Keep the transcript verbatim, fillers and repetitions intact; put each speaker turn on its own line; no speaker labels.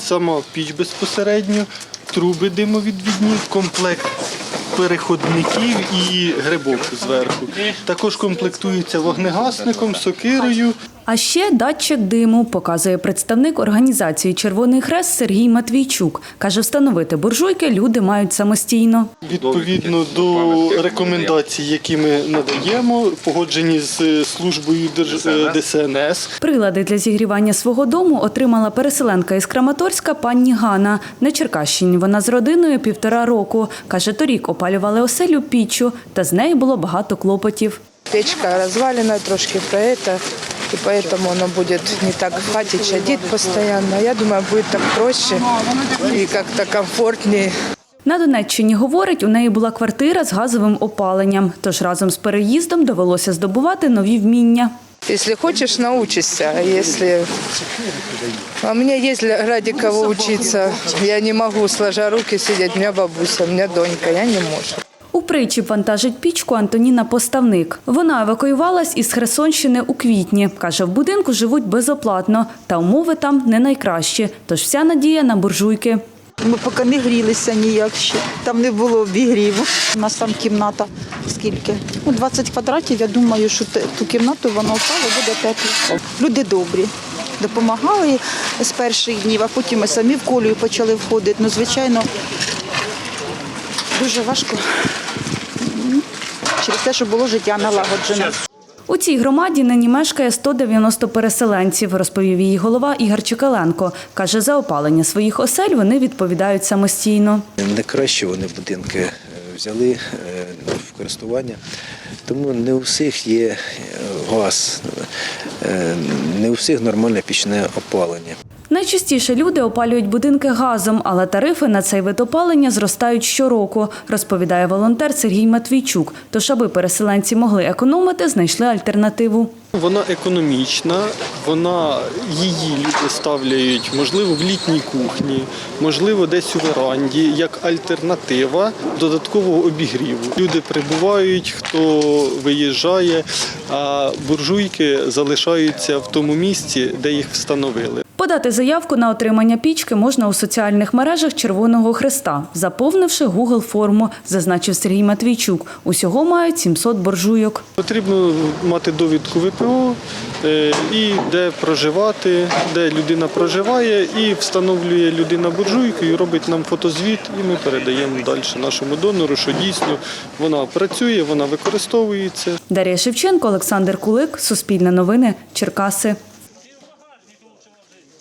сама піч безпосередньо, труби димовідвідні, комплект переходників і грибок зверху. Також комплектується вогнегасником, сокирою.
А ще датчик диму, показує представник організації «Червоний Хрест» Сергій Матвійчук. Каже, встановити буржуйки люди мають самостійно.
Відповідно до рекомендацій, які ми надаємо, погоджені з службою Де Се Ен Ес.
Прилади для зігрівання свого дому отримала переселенка із Краматорська пані Ганна. На Черкащині вона з родиною півтора року. Каже, торік опалювали оселю піччю, та з нею було багато клопотів.
Печка развалена, трошки проета, и поэтому оно будет не так в хате чадить постоянно. Я думаю, будет так проще и как-то комфортнее.
На Донеччині, говорить, у неї була квартира з газовим опаленням, тож разом з переїздом довелося здобувати нові вміння.
Если хочешь, научишься. А если... А у меня есть ради кого учиться. Я не могу, сложа руки, сидеть. У меня бабуся, у меня донька, я не могу.
У причіп вантажить пічку Антоніна Поставник. Вона евакуювалась із Херсонщини у квітні. Каже, в будинку живуть безоплатно, та умови там не найкращі. Тож вся надія на буржуйки.
Ми поки не грілися ніяк ще. Там не було обігріву. У нас там кімната скільки? Ну, двадцять квадратів. Я думаю, що ту кімнату воно впало, буде тепло. Люди добрі. Допомагали з перших днів, а потім ми самі в колію почали входити. Ну, звичайно, дуже важко. Через те, що було життя налагоджене.
У цій громаді нині мешкає сто дев'яносто переселенців, розповів її голова Ігор Чекаленко. Каже, за опалення своїх осель вони відповідають самостійно.
Не краще вони будинки взяли в користування, тому не у всіх є газ, не у всіх нормальне пічне опалення.
Найчастіше люди опалюють будинки газом, але тарифи на цей вид опалення зростають щороку, розповідає волонтер Сергій Матвійчук. Тож, аби переселенці могли економити, знайшли альтернативу.
Вона економічна, вона, її люди ставляють, можливо, в літній кухні, можливо, десь у веранді, як альтернатива додаткового обігріву. Люди прибувають, хто виїжджає, а буржуйки залишаються в тому місці, де їх встановили.
Подати заявку на отримання пічки можна у соціальних мережах Червоного Хреста, заповнивши Гугл-форму, зазначив Сергій Матвійчук. Усього мають сімсот буржуйок.
Потрібно мати довідку Ве Пе О, і де проживати, де людина проживає, і встановлює людина буржуйку, і робить нам фотозвіт, і ми передаємо далі нашому донору, що дійсно вона працює, вона використовується.
Дар'я Шевченко, Олександр Кулик, Суспільне новини, Черкаси.